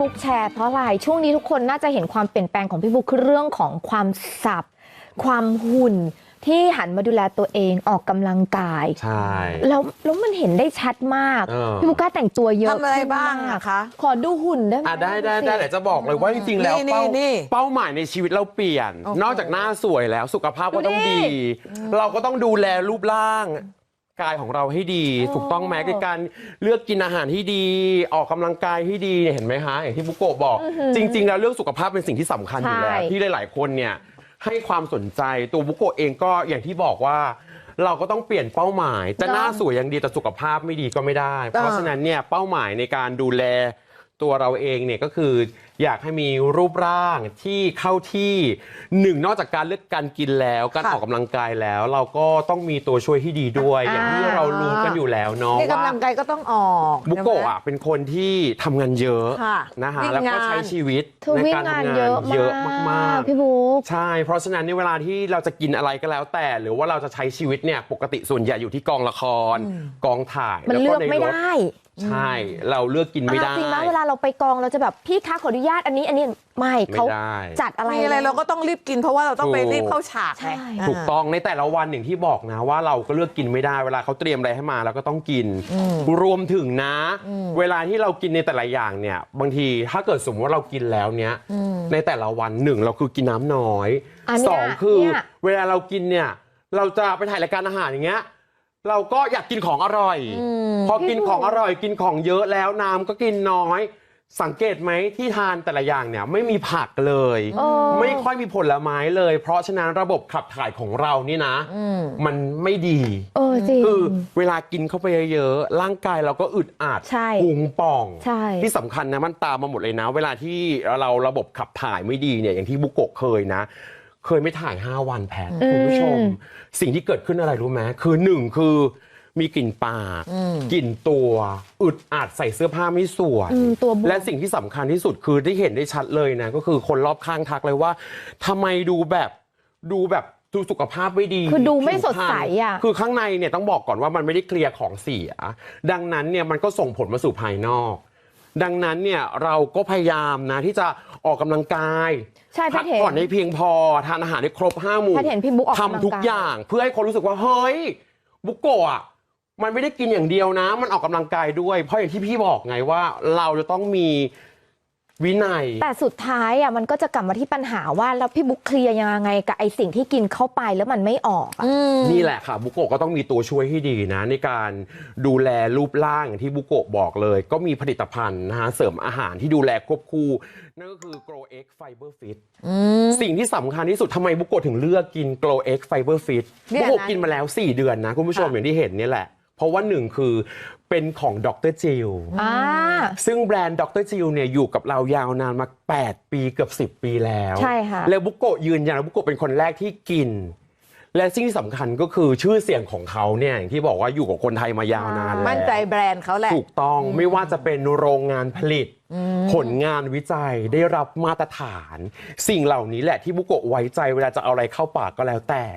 บุ๊กแชร์เพราะอะไรช่วงนี้ทุกคนน่าจะเห็นความเปลี่ยนแปลงของพี่บุ๊กคือเรื่องของความสับความหุ่นที่หันมาดูแลตัวเองออกกำลังกายใช่แล้วมันเห็นได้ชัดมากพี่บุ๊กกล้าแต่งตัวเยอะทำอะไรบ้างอะคะขอดูหุ่นได้ไหมได้แต่จะบอกเลยว่าจริงๆแล้วเป้าหมายในชีวิตเราเปลี่ยนนอกจากหน้าสวยแล้วสุขภาพก็ต้องดีเราก็ต้องดูแลรูปร่างกายของเราให้ดีถูกต้องไหมในการเลือกกินอาหารที่ดีออกกำลังกายที่ดีเห็นไหมคะอย่างที่บุโกะบอกจริงๆแล้วเรื่องสุขภาพเป็นสิ่งที่สำคัญอยู่แล้วที่หลายๆคนเนี่ยให้ความสนใจตัวบุโกะเองก็อย่างที่บอกว่าเราก็ต้องเปลี่ยนเป้าหมายจะหน้าสวยอย่างดีแต่สุขภาพไม่ดีก็ไม่ได้เพราะฉะนั้นเนี่ยเป้าหมายในการดูแลตัวเราเองเนี่ยก็คืออยากให้มีรูปร่างที่เข้าที่หนึ่งนอกจากการเลือกการกินแล้วการออกกำลังกายแล้วเราก็ต้องมีตัวช่วยที่ดีด้วยอย่างที่เรารู้กันอยู่แล้วเนาะว่ากำลังกายก็ต้องออกบุโกะเป็นคนที่ทำงานเยอะนะคะแล้วก็ใช้ชีวิตในการทำงานเยอะมากๆพี่บุ๊กใช่เพราะฉะนั้นในเวลาที่เราจะกินอะไรก็แล้วแต่หรือว่าเราจะใช้ชีวิตเนี่ยปกติส่วนใหญ่อยู่ที่กองละครกองถ่ายมันเลือกไม่ได้ใช่เราเลือกกินไม่ได้จริงนะเวลาเราไปกองเราจะแบบพี่คะขออนุญาตอันนี้ไม่เขาจัดอะไรเราก็ต้องรีบกินเพราะว่าเราต้องไปรีบเข้าฉากไงถูกต้องในแต่ละวันอย่างที่บอกนะว่าเราก็เลือกกินไม่ได้เวลาเขาเตรียมอะไรให้มาเราก็ต้องกินรวมถึงนะเวลาที่เรากินในแต่ละอย่างเนี่ยบางทีถ้าเกิดสมมติว่าเรากินแล้วเนี้ยในแต่ละวันหนึ่งเราคือกินน้ำน้อยสองคือเวลาเรากินเนี่ยเราจะไปถ่ายรายการอาหารอย่างเงี้ยเราก็อยากกินของอร่อยพอกินของอร่อยกินของเยอะแล้วน้ำก็กินน้อยสังเกตไหมที่ทานแต่ละอย่างเนี่ยไม่มีผักเลยไม่ค่อยมีผลไม้เลยเพราะฉะนั้นระบบขับถ่ายของเรานี่นะมันไม่ดีคือเวลากินเข้าไปเยอะๆร่างกายเราก็อึดอัดพุงป่องที่สำคัญนะมันตามมาหมดเลยนะเวลาที่เราระบบขับถ่ายไม่ดีเนี่ยอย่างที่บุโกะเคยนะเคยไม่ถ่าย5 วันแพทคุณผู้ชมสิ่งที่เกิดขึ้นอะไรรู้ไหมคือ1คือมีกลิ่นปากกลิ่นตัวอึดอัดใส่เสื้อผ้าไม่สวยและสิ่งที่สำคัญที่สุดคือที่เห็นได้ชัดเลยนะก็คือคนรอบข้างทักเลยว่าทำไมดูสุขภาพไม่ดีคือดูไม่สดใสอ่ะคือข้างในเนี่ยต้องบอกก่อนว่ามันไม่ได้เคลียร์ของเสียดังนั้นเนี่ยมันก็ส่งผลมาสู่ภายนอกดังนั้นเนี่ยเราก็พยายามนะที่จะออกกำลังกายพักผ่อนให้เพียงพอทานอาหารให้ครบ5 หมู่ทำทุกอย่างเพื่อให้คนรู้สึกว่าเฮ้ยบุโกะมันไม่ได้กินอย่างเดียวนะมันออกกำลังกายด้วยเพราะอย่างที่พี่บอกไงว่าเราจะต้องมีวินัยแต่สุดท้ายอ่ะมันก็จะกลับมาที่ปัญหาว่าแล้วพี่บุ๊กเคลียร์ยังไงกับไอสิ่งที่กินเข้าไปแล้วมันไม่ออกนี่แหละค่ะบุโกะก็ต้องมีตัวช่วยให้ดีนะในการดูแลรูปร่างอย่างที่บุโกะบอกเลยก็มีผลิตภัณฑ์นะฮะเสริมอาหารที่ดูแลควบคู่นั่นก็คือ Grow X Fiber Fit สิ่งที่สำคัญที่สุดทำไมบุโกะถึงเลือกกิน Grow X Fiber Fit บุโกะกินมาแล้ว4 เดือนนะคุณผู้ชมอย่างที่เห็นนี่แหละเพราะว่า1คือเป็นของดร.จิลซึ่งแบรนด์ดร.จิลเนี่ยอยู่กับเรายาวนานมา8 ปีเกือบ10 ปีแล้วใช่ค่ะแล้วบุโกะยืนยันว่าบุโกะเป็นคนแรกที่กินและสิ่งที่สำคัญก็คือชื่อเสียงของเขาเนี่ยอย่างที่บอกว่าอยู่กับคนไทยมายาวนานแล้วมั่นใจแบรนด์เขาแหละถูกต้องไม่ว่าจะเป็นโรงงานผลิตผลงานวิจัยได้รับมาตรฐานสิ่งเหล่านี้แหละที่บุโกะไว้ใจเวลาจะเอาอะไรเข้าปากก็แล้วแต่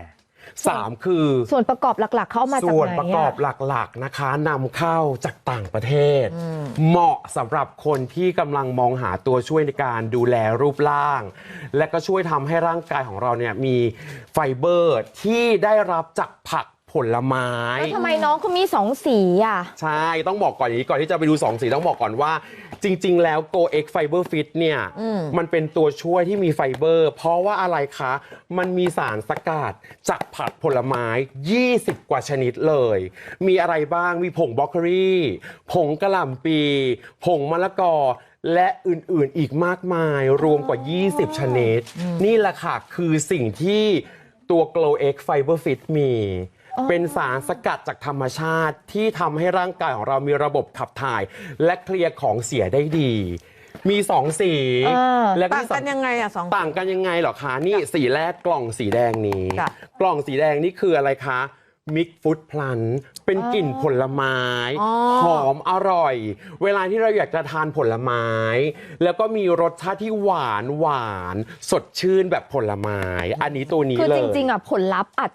3คือส่วนประกอบหลักๆเข้ามาจากไหนส่วนประกอบหลักๆนะคะนำเข้าจากต่างประเทศเหมาะสำหรับคนที่กำลังมองหาตัวช่วยในการดูแลรูปร่างและก็ช่วยทำให้ร่างกายของเราเนี่ยมีไฟเบอร์ที่ได้รับจากผักผลไม้แล้วทำไมน้องเขามี2 สีอ่ะใช่ต้องบอกก่อนอย่างนี้ก่อนที่จะไปดู2 สีต้องบอกก่อนว่าจริงๆแล้ว Go X Fiber Fit เนี่ยมันเป็นตัวช่วยที่มีไฟเบอร์เพราะว่าอะไรคะมันมีสารสกัดจากผักผลไม้20 กว่าชนิดเลยมีอะไรบ้างมีผงบรอกโคลีผงกะหล่ำปีผงมะละกอและอื่นๆอีกมากมายรวมกว่า20 ชนิดนี่แหละค่ะคือสิ่งที่ตัว Glow X Fiber Fit มีเป็นสารสกัดจากธรรมชาติที่ทำให้ร่างกายของเรามีระบบขับถ่ายและเคลียร์ของเสียได้ดีมี2 สีและต่างกันยังไงอ่ะต่างกันยังไงเหรอคะนี่สีแรกกล่องสีแดงนี้กล่องสีแดงนี่คืออะไรคะมิกฟู้ดพลันเป็นกลิ่นผลไม้หอมอร่อยเวลาที่เราอยากจะทานผลไม้แล้วก็มีรสชาติที่หวานสดชื่นแบบผลไม้อันนี้ตัวนี้เลยคือจริงๆอ่ะผลลัพธ์อาจจะ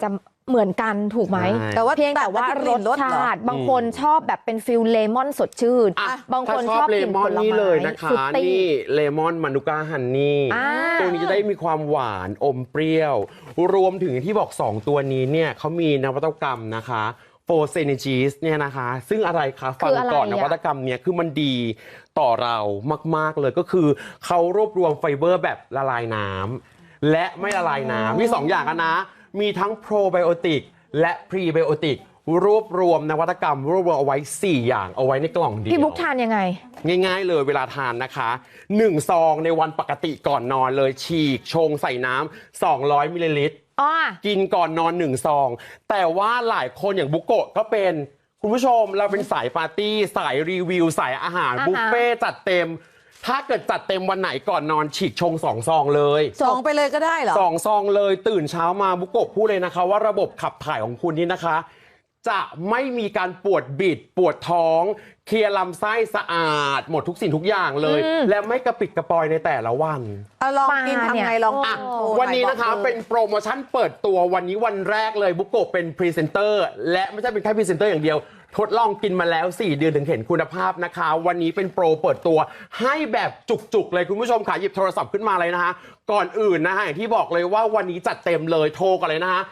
เหมือนกันถูกไหมใช่แต่ว่าเพียงแต่ว่ารสชาติบางคนชอบแบบเป็นฟิลเลมอนสดชื่นอ่ะบางคนถ้ชอบเลกลิ่นมผอนลนี่ไม้เลยนะคะฟรุตตี้นี่เลมอนมานูก้าฮันนี่อ่าตัวนี้จะได้มีความหวานอมเปรี้ยว รวมถึงที่บอก 2 ตัวนี้เนี่ยเขามีนวัตกรรมนะคะโฟเซนจีสเนี่ยนะคะ ซึ่งอะไรคะฟังก่อนนวัตกรรมเนี่ยคือมันดีต่อเรามาก ๆ เลยก็คือเขารวบรวมไฟเบอร์แบบละลายน้ำและไม่ละลายน้ำมี 2 อย่างกันนะ มีทั้งโปรไบโอติกและพรีไบโอติกรวบรวมนวัตกรรมรวบรวมเอาไว้ 4 อย่างเอาไว้ในกล่องเดียวพี่บุ๊กทานยังไงง่ายๆเลยเวลาทานนะคะ1 ซองในวันปกติก่อนนอนเลยฉีกชงใส่น้ำ200 มิลลิลิตรอ้อกินก่อนนอน 1 ซอง แต่ว่าหลายคนอย่างบุโกะก็เป็นคุณผู้ชมเราเป็นสายปาร์ตี้ สายรีวิว สายอาหารบุฟเฟ่ต์จัดเต็ม ถ้าเกิดจัดเต็มวันไหนก่อนนอนฉีกชง 2 ซองเลยสองไปเลยก็ได้เหรอ 2 ซองเลยตื่นเช้ามาบุโกะพูดเลยนะคะว่าระบบขับถ่ายของคุณนี่นะคะ จะไม่มีการปวดบิดปวดท้อง เคลียร์ลำไส้สะอาด หมดทุกสิ่งทุกอย่างเลย และไม่กระปิดกระปอยในแต่ละวันลองกินปลาเนี่ยทำไงลองอ่ะกินโชว์วันนี้หอยนะคะบอกลยเป็นโปรโมชั่นเปิดตัววันนี้วันแรกเลยบุโกะเป็นพรีเซนเตอร์และไม่ใช่เป็นแค่พรีเซนเตอร์อย่างเดียว ทดลองกินมาแล้ว 4 เดือนถึงเห็นคุณภาพนะคะ วันนี้เป็นโปรเปิดตัวให้แบบจุกๆเลยคุณผู้ชมค่ะหยิบโทรศัพท์ขึ้นมาเลยนะคะ ก่อนอื่นนะคะอย่างที่บอกเลยว่าวันนี้จัดเต็มเลยโทรกันเลยนะคะ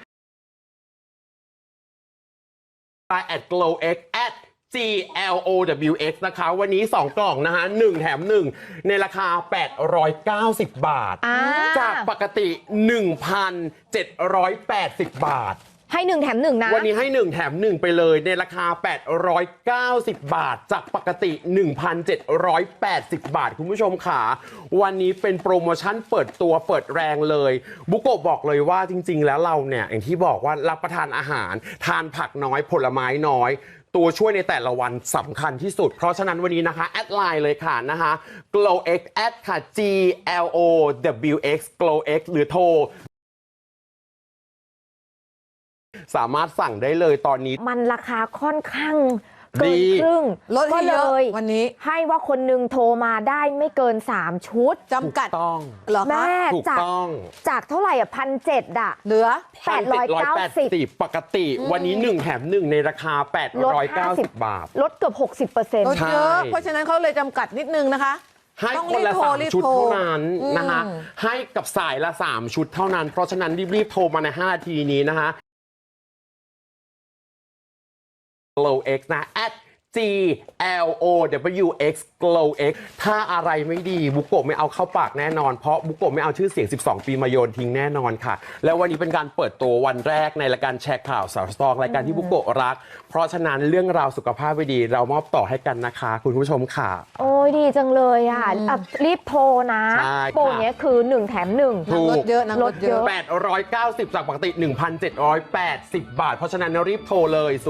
at glowx at glowx นะคะวันนี้ 2 กล่องนะคะ1แถม 1 ในราคา 890 บาทอ่าจากปกติ 1,780 บาทให้1แถม1นะวันนี้ให้ 1 แถม 1 ไปเลยในราคา 890 บาท จากปกติ 1,780 บาท คุณผู้ชมค่ะวันนี้เป็นโปรโมชั่นเปิดตัวเปิดแรงเลยบุโกะบอกเลยว่าจริง ๆ แล้วเราเนี่ยอย่างที่บอกว่ารับประทานอาหารทานผักน้อยผลไม้น้อย ตัวช่วยในแต่ละวันสำคัญที่สุด เพราะฉะนั้นวันนี้นะคะ แอดไลน์เลยค่ะนะคะ glowx แอดค่ะ glowx glowx หรือโทร สามารถสั่งได้เลยตอนนี้มันราคาค่อนข้างเกิดีนครึ่งลดให้เยอะก็เลยวันนี้ให้ว่าคนหนึงโทรมาได้ไม่เกิน 3 ชุดจำกัดถูกต้องเหรอแม่คะถูกจากต้องจากเท่าไหร่อ่ะ1,700อ่ะเหลือ 890 ปกติวันนี้ 1 แถม 1 ในราคาลด 890 บาทลดเกือบ 60% ลดเยอะ เพราะฉะนั้นเขาเลยจำกัดนิดนึงนะคะให้ต้องคนละรีบ 3 ชุดโทรเท่านั้นนะคะอืมให้กับสายละ 3 ชุดเท่านั้น เพราะฉะนั้นรีบๆโทรมาใน 5 นาทีนี้นะคะ glowx นะ at glowx glowx ถ้าอะไรไม่ดีบุโกะไม่เอาเข้าปากแน่นอน เพราะบุโกะไม่เอาชื่อเสียง 12 ปีมาโยนทิ้งแน่นอนค่ะ แล้ววันนี้เป็นการเปิดตัววันแรกในรายการแชร์ข่าวสาวสตรองรายการที่บุโกะรัก เพราะฉะนั้นเรื่องราวสุขภาพไม่ดีเรามอบต่อให้กันนะคะ คุณผู้ชมค่ะโอ้ยดีจังเลยอ่ะอ่ะรีบโทรนะใช่ค่ะโปรเนี้ยคือ 1 แถม 1 ถูกลดเยอะนะลดเยอะ 890 จากปกติ 1,780 บาท เพราะฉะนั้นรีบโทรเลย